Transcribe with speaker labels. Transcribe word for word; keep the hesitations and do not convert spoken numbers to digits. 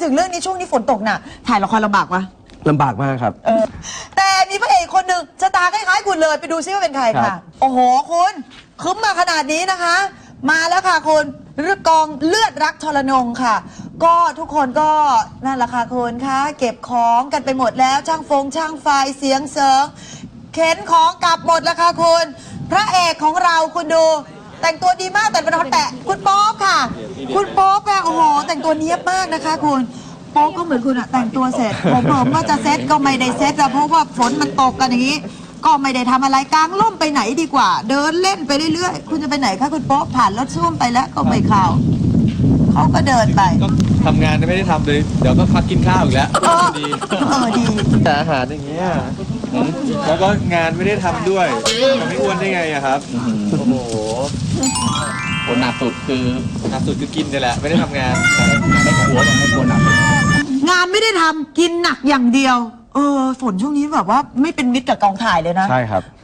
Speaker 1: ถึงเรื่องนี้ช่วงนี้ฝนตกหนักถ่ายละครลำบากปะ
Speaker 2: ลำบากมากครับ
Speaker 1: เออแต่มีพระเอกคนหนึ่งชะตาคล้ายๆคุณเลยไปดูซิว่าเป็นใครค่ะโอ้โหคุณคึ้มมาขนาดนี้นะคะมาแล้วค่ะคุณเรื่องกองเลือดรักทรนงค่ะก็ทุกคนก็นั่นแหละค่ะคุณคะเก็บของกันไปหมดแล้วช่างฟงช่างไฟเสียงเสริงเข็นของกลับหมดแล้วค่ะคุณพระเอกของเราคุณดูแต่งตัวดีมากแต่เป็นคนแตะคุณโป๊ปค่ะคุณโป๊ปค่ะโอ้โหแต่งตัวเนี๊ยบมากนะคะคุณโป๊ปก็เหมือนคุณอะแต่งตัวเสร็จผมผมว่าจะเซ็ตก็ไม่ได้เซ็ตเพราะว่าฝนมันตกกันอย่างนี้ก็ไม่ได้ทำอะไรกลางร่มไปไหนดีกว่า เดินเล่นไปเรื่อยๆคุณจะไปไหนคะคุณโป๊ปผ่านรถส้วมไปแล้วก็ไม่เข้าเขาก็เดินไป
Speaker 3: ก็ทำงานไม่ได้ทำเลยเดี๋ยวก็พักกินข้าวอีกแล้วดี
Speaker 1: เออดี
Speaker 3: แต่อาหารอย่างเงี้ยแล้วก็งานไม่ได้ทำด้วยจะไม่อ้วนได้ไงอะครับโอ้โห
Speaker 4: คนหนักสุดคือ
Speaker 3: หนักสุดคือกินนี่แหละไม่ได้ทำงาน
Speaker 4: ไม่กลัวไม่กลัวหนัก
Speaker 1: งานไม่ได้ทำกินหนักอย่างเดียวเออฝนช่วงนี้แบบว่าไม่เป็นมิตรกับกองถ่ายเลยนะ
Speaker 2: ใช่ครับ